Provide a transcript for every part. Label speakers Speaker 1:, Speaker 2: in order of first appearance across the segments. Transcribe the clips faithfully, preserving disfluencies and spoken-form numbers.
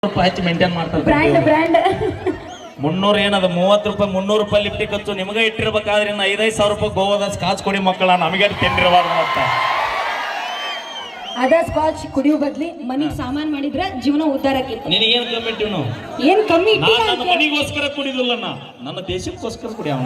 Speaker 1: ರೂಪಾಯಿ ಹಚ್ಚಿ ಮೇಂಟೈನ್ ಮಾಡ್ತಾರೆ
Speaker 2: ಬ್ರ್ಯಾಂಡ್ ಬ್ರ್ಯಾಂಡ್
Speaker 1: ಮುನ್ನೂರು ಏನದ ಮೂವತ್ತು ರೂಪಾಯಿ ಮುನ್ನೂರು ರೂಪಾಯಿ ಲಿಫ್ಟಿ ಖರ್ಚು ನಿಮಗೆ ಇಟ್ಟಿರ್ಬೇಕಾದ್ರೆ ಇನ್ನು ಐದೈದು ಸಾವಿರ ರೂಪಾಯಿ ಗೋವಾದ ಸ್ಕಾಚ್ ಕೊಡಿ ಮಕ್ಕಳ ನಮಗೆ ತಿಂದಿರಬಾರ್ದು ಅಂತ
Speaker 2: ಅದ ಸ್ಕಾಚ್ ಕುಡಿಯೋ ಬದ್ಲಿ ಮನಿಗ್ ಸಾಮಾನ್ ಮಾಡಿದ್ರೆ ಜೀವನ ಉದ್ಧಾರ ಆಕೈತಿ.
Speaker 1: ನಿನಗೇನು ಕಮ್ಮಿ ಇಟ್ಟಿವ್ ನಾವು
Speaker 2: ಏನ್ ಕಮ್ಮಿ
Speaker 1: ನಾನು
Speaker 2: ಇಟ್ಟಿಲ್ಲ
Speaker 1: ನನ್ನ ಮನಿಗೋಸ್ಕರ ಕುಡಿದಿಲ್ಲ ನಾ ನನ್ನ ದೇಶಕ್ಕೋಸ್ಕರ ಕುಡಿಯವನ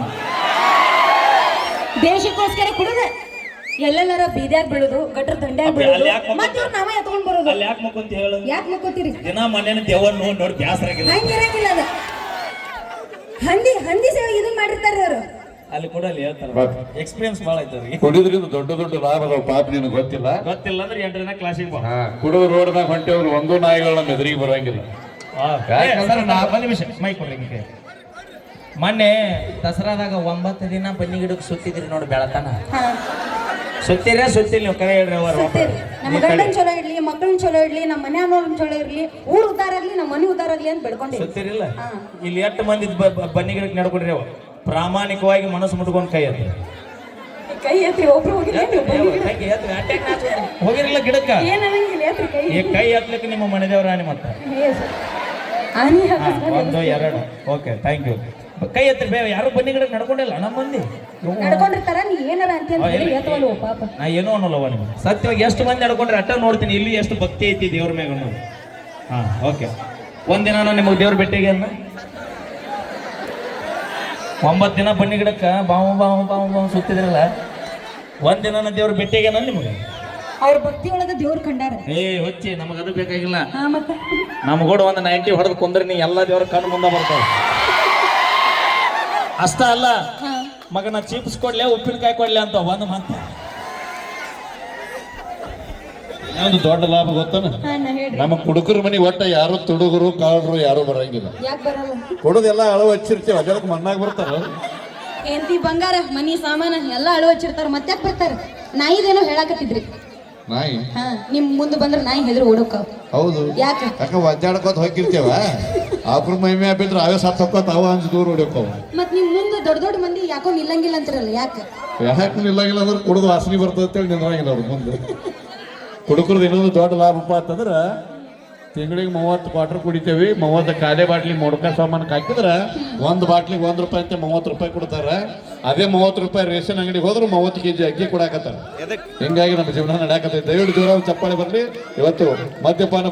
Speaker 2: ದೇಶಕ್ಕೋಸ್ಕರ ಕುಡಿದ ಎಲ್ಲೆಲ್ಲಾರ ಬೀದ್ಯಾಗ ಬೀಳುದು ಗಟ್ರ ದಂಡ್ಯಾಗ
Speaker 1: ಅಲ್ಲಿ
Speaker 2: ಬೀಳುದು
Speaker 1: ಯಾಕ್ ಮಕ್ಕೊಂಡ್-
Speaker 2: ಮತ್ತೆ ಇವ್ರು ನಾವೇ ಎತ್ಕೊಂಡ್ ಬರೋದು.
Speaker 1: ಅಲ್ಲಿ ಯಾಕೆ ಮಕ್ಕಂತ ಹೇಳು
Speaker 2: ಯಾಕೆ ಮಕ್ಕೋತೀರಿ?
Speaker 1: ದಿನ ಮನೇನ ದೇವನ್ ನೋಡಿ ನೋಡಿ ಬ್ಯಾಸರಾಗಿಲ್ಲ
Speaker 2: ಹಂಗಿರಂಗಿಲ್ಲ ಅದ ಹಂದಿ ಹಂದಿ ಸೇವೆ ಇದನ್ ಮಾಡಿರ್ತಾರ ಅವ್ರು.
Speaker 1: ಅಲ್ಲಿ ಕೂಡ ಅಲ್ಲಿ ಹೇಳ್ತಾರ ಎಕ್ಸ್ಪೀರಿಯನ್ಸ್ ಭಾಳ ಐತೆ ಅವ್ರಿಗೆ
Speaker 3: ಕುಡಿದ್ರಿಂದ ದೊಡ್ಡ ದೊಡ್ಡ ಲಾಭ ಅದಾವ ಪಾಪ ನಿನಗೆ ಗೊತ್ತಿಲ್ಲ.
Speaker 1: ಗೊತ್ತಿಲ್ಲ ಅಂದ್ರೆ ಎಂಟನೇ ಕ್ಲಾಸಿಗೆ ಬಾ
Speaker 3: ಹಾ ಕುಡಿದು ರೋಡ್ನಾಗ ಹೊಂಟೇವ್ರು ಒಂದೂ ನಾಯಿಗಳನ್ನ ಮೆದುರಿಗೆ ಬರೋಂಗಿಲ್ಲ. ಯಾಕಂದ್ರೆ ನಾ
Speaker 1: ಒಂದು ನಿಮಿಷ ಮೈ ಕೊಡ್ರಿ ಹಿಂಗೆ ಮೊನ್ನೆ ದಸರಾದಾಗ ಒಂಬತ್ತು ದಿನ ಬನ್ನಿ ಗಿಡಕ್ಕೆ ಸುತ್ತಿದ್ರಿ ನೋಡಿ ಬೆಳತನ
Speaker 2: ಹಾ
Speaker 1: ಸುತ್ತೀರ ಸುತ್ತಿಲ್ಲ ನೀವು ಕರೆ ಹೇಳ್ರಿ ಅವರು
Speaker 2: ಸುತ್ತೇರಿ. ನಮ್ಮ ಗಂಡನ್ ಚಲೋ ಇಡ್ಲಿ, ಮಕ್ಕಳನ್ ಚಲೋ ಇಡ್ಲಿ, ನಮ್ಮ ಮನೆ ಅನ್ನೋನ್ ಚಲೋ ಇರ್ಲಿ, ಊರ್ ಉದ್ದಾರ ಆಗ್ಲಿ, ನಮ್ಮ ಮನೆ ಉದ್ದಾರ ಆಗ್ಲಿ ಅಂತ ಬೆಳ್ಕೊಂಡಿ.
Speaker 1: ಸುತ್ತೀರಿಲ್ಲ
Speaker 2: ಹಾ.
Speaker 1: ಇಲ್ಲಿ ಎಷ್ಟು ಮಂದಿ ಬ- ಬ- ಬನ್ನಿ ಗಿಡಕ್ಕೆ ನಡ್ಕೊಂಡ್ರಿ ಅವ ಪ್ರಾಮಾಣಿಕವಾಗಿ ಮನಸ್ಸು ಮುಟ್ಕೊಂಡು ಕೈ ಎತ್ತಿ
Speaker 2: ಕೈ ಎತ್ತಿ ಒಬ್ರು ಹೋಗಿಲ್ಲ ನೀವು ಬನ್ನಿ ಗಿಡ.
Speaker 1: ಹೋಗಿರಲಿಲ್ಲ ಗಿಡಕ್ಕ
Speaker 2: ಏನ್ ಅನ್ನಂಗಿಲ್ಲ ಎತ್ರಿ ಕೈ.
Speaker 1: ಈ ಕೈ ಎತ್ತಲಿಕ್ಕೆ ನಿಮ್ಮ ಮನೆ ದೇವರ ಆನೆ ಮತ್ತೆ
Speaker 2: Yes. ಆನಿ
Speaker 1: ಹಾ,
Speaker 2: ಹಾಕಿಸ್ಕೊಂಡು
Speaker 1: ಒಂದು ಎರಡು ಓಕೆ ಥ್ಯಾಂಕ್ ಯು ಕೈ ಎತ್ತಿ ಬೇ ಯಾರು ಬನ್ನಿ ಗಿಡಕ್ಕೆ ನಡ್ಕೊಂಡಿಲ್ಲ ನಮ್ಮ ಮಂದಿ
Speaker 2: ನಡ್ಕೊಂಡಿರ್ತಾರ ನೀ ಏನಾರ ಅಂತ
Speaker 1: ಆ, ಎಲ್ಲಿ-
Speaker 2: ಎತ್ತವಲ್ವ ಪಾಪ.
Speaker 1: ನಾ ಏನೋ ಅನ್ನೋಲ್ಲವ ನಿಮ್ಗೆ ಸತ್ಯವಾಗಿ ಎಷ್ಟು ಮಂದಿ ನಡ್ಕೊಂಡ್ರೆ ಅಟ್ಟ ನೋಡ್ತೀನಿ ಇಲ್ಲಿ ಎಷ್ಟು ಭಕ್ತಿ ಐತಿ ದೇವ್ರ ಮ್ಯಾಗ ಅನ್ನೋದು ಹಾ ಓಕೆ ಒಂದಿನ ನಾನು ನಿಮಗೆ ದೇವ್ರ ಭೇಟಿಗೆ ಅನ್ನ ಒಂಬತ್ತು ದಿನ ಬನ್ನಿ ಗಿಡಕ್ಕೆ ಬಾವು ಬಾವು ಬಾವು ಬಾವು ಸುತ್ತಿದ್ರಲ್ಲ ಒಂದಿನ ನಾನು ದೇವ್ರ ಭೇಟಿಗೆ ನಾನು ನಿಮಗೆ
Speaker 2: ಅವ್ರ ಭಕ್ತಿ ಒಳಗ ದೇವ್ರ ಕಂಡಾರ.
Speaker 1: ಏ ಹೊಚ್ಚಿ ನಮಗೆ ಅದು ಬೇಕಾಗಿಲ್ಲ
Speaker 2: ಹಾ ಮತ್ತ
Speaker 1: ನಮಗೋಡು ಒಂದು ನೈಂಟಿ ಹೊಡೆದು ಕುಂದ್ರೆ ನೀ ಎಲ್ಲ ದೇವ್ರ ಕಣ್ಣು ಮುಂದೆ ಬರ್ತಾವ ಅಷ್ಟ ಅಲ್ಲ
Speaker 2: ಹಾ
Speaker 1: ಮಗನ ಚಿಪ್ಸ್ ಕೊಡ್ಲೆ ಉಪ್ಪಿನಕಾಯಿ ಕೊಡ್ಲೆ ಅಂತ ಒಂದು ಮಾತ
Speaker 3: ಒಂದು ದೊಡ್ಡ ಲಾಭ ಗೊತ್ತಾನ
Speaker 2: ಹಾ ನಾ ಹೇಳ್ರಿ
Speaker 3: ನಮ್ಮ ಕುಡುಕರ ಮನಿ ಒಟ್ಟ ಯಾರು ತುಡುಗರು ಕಾಳರು ಯಾರು ಬರಂಗಿಲ್ಲ.
Speaker 2: ಯಾಕೆ ಬರಲ್ಲ?
Speaker 3: ಕುಡುದೆಲ್ಲ ಅಳವ ಹಚ್ಚಿರ್ತೀವಿ ಅದಕ್ಕೆ ಮಣ್ಣಾಗ ಬರ್ತಾರ.
Speaker 2: ಹೆಂಡತಿ ಬಂಗಾರ ಮನಿ ಸಾಮಾನ ಎಲ್ಲ ಅಳು ಹಚ್ಚಿರ್ತಾರ ಮತ್ತ್ಯಾಕ್ ಬರ್ತಾರ? ನಾಯಿದೇನೋ ಹೇಳಾಕತ್ತಿದ್ರಿ.
Speaker 3: ನಾಯಿ
Speaker 2: ಹಾ ನಿಮ್ ಮುಂದೆ ಬಂದ್ರ ನಾಯಿ ಹೆದ್ರು ಓಡೋಕಾವ್.
Speaker 3: ಹೌದು
Speaker 2: ಯಾಕ?
Speaker 3: ಯಾಕ ಒದ್ದಾಡ್ಕೋತ ಹೋಗಿರ್ತೇವ ಆಕ್ರ ಮೈಮೆ ಬಿದ್ರೆ ಅವೇ ಸತ್ ಹೊಕ್ಕೋತ ಅವ ಅಂಜ್ ದೂರ ಹೊಡಿಯೋಕವ.
Speaker 2: ಮತ್ ನಿಮ್ ಮುಂದೆ ದೊಡ್ಡ ದೊಡ್ಡ ಮಂದಿ ಯಾಕೋ ನಿಲ್ಲಂಗಿಲ್ಲ ಅಂತಿರಲ್ಲ ಯಾಕೆ?
Speaker 3: ಯಾಕೆ ನಿಲ್ಲಾಗಿಲ್ಲ ಅಂದ್ರೆ ಕುಡಿದು ವಾಸನೆ ಬರ್ತದೆ ಅಂತೇಳಿ ನಿಂದ್ರಂಗಿಲ್ಲ ಅವ್ರ ಮುಂದೆ. ಕುಡುಕರದು ಇನ್ನೊಂದು ದೊಡ್ಡ ಲಾಭಪ್ಪ ಅಂತಂದ್ರೆ ತಿಂಗಳಿಗೆ ಮೂವತ್ತು ಕ್ವಾರ್ಟರ್ ಕುಡಿತೇವಿ, ಮೂವತ್ತು ಕಾಲೆ ಬಾಟ್ಲಿ ಮೊಡ್ಕ ಸಾಮಾನಕ್ಕೆ ಹಾಕಿದ್ರೆ ಒಂದು ಬಾಟ್ಲಿಗೆ ಒಂದು ರೂಪಾಯಿ ಅಂತ ಮೂವತ್ತು ರೂಪಾಯಿ ಕೊಡ್ತಾರೆ. ಅದೇ ಮೂವತ್ತು ರೂಪಾಯಿ ರೇಷನ್ ಅಂಗಡಿಗೆ ಹೋದ್ರೆ ಮೂವತ್ತು ಕೆಜಿ ಅಕ್ಕಿ ಕೊಡಾಕತ್ತಾರೆ. ಹಿಂಗಾಗಿ ನಮ್ಮ ಜೀವನ ನಡೆಯಾಕತ್ತೈತೆ. ದಯವಿಟ್ಟು ಜೋರಾಗಿ ಚಪ್ಪಾಳೆ ಬರಲಿ. ಇವತ್ತು ಮದ್ಯಪಾನ